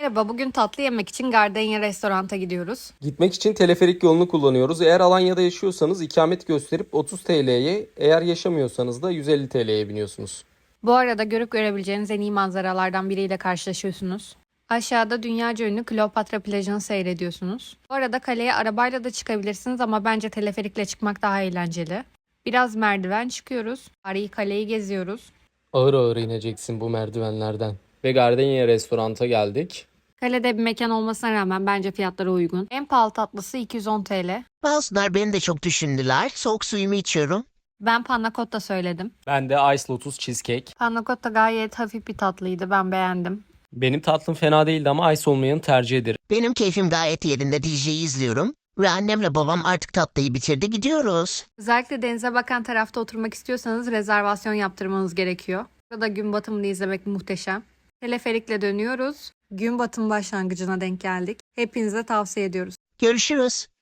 Merhaba, bugün tatlı yemek için Gardenia restoranta gidiyoruz. Gitmek için teleferik yolunu kullanıyoruz. Eğer Alanya'da yaşıyorsanız ikamet gösterip 30 TL'ye, eğer yaşamıyorsanız da 150 TL'ye biniyorsunuz. Bu arada görüp görebileceğiniz en iyi manzaralardan biriyle karşılaşıyorsunuz. Aşağıda dünyaca ünlü Kleopatra plajını seyrediyorsunuz. Bu arada kaleye arabayla da çıkabilirsiniz ama bence teleferikle çıkmak daha eğlenceli. Biraz merdiven çıkıyoruz. Tarihi kaleyi geziyoruz. Ağır ağır ineceksin bu merdivenlerden. Ve Gardenia restoranta geldik. Kalede bir mekan olmasına rağmen bence fiyatları uygun. En pahalı tatlısı 210 TL. Bazılar beni de çok düşündüler. Soğuk suyumu içiyorum. Ben panna cotta söyledim. Ben de Ice Lotus Cheesecake. Panna cotta gayet hafif bir tatlıydı. Ben beğendim. Benim tatlım fena değildi ama ice olmayanı tercih ederim. Benim keyfim gayet yerinde, DJ'yi izliyorum. Ve annemle babam artık tatlıyı bitirdi, gidiyoruz. Özellikle denize bakan tarafta oturmak istiyorsanız rezervasyon yaptırmanız gerekiyor. Burada gün batımını izlemek muhteşem. Teleferikle dönüyoruz. Gün batım başlangıcına denk geldik. Hepinize tavsiye ediyoruz. Görüşürüz.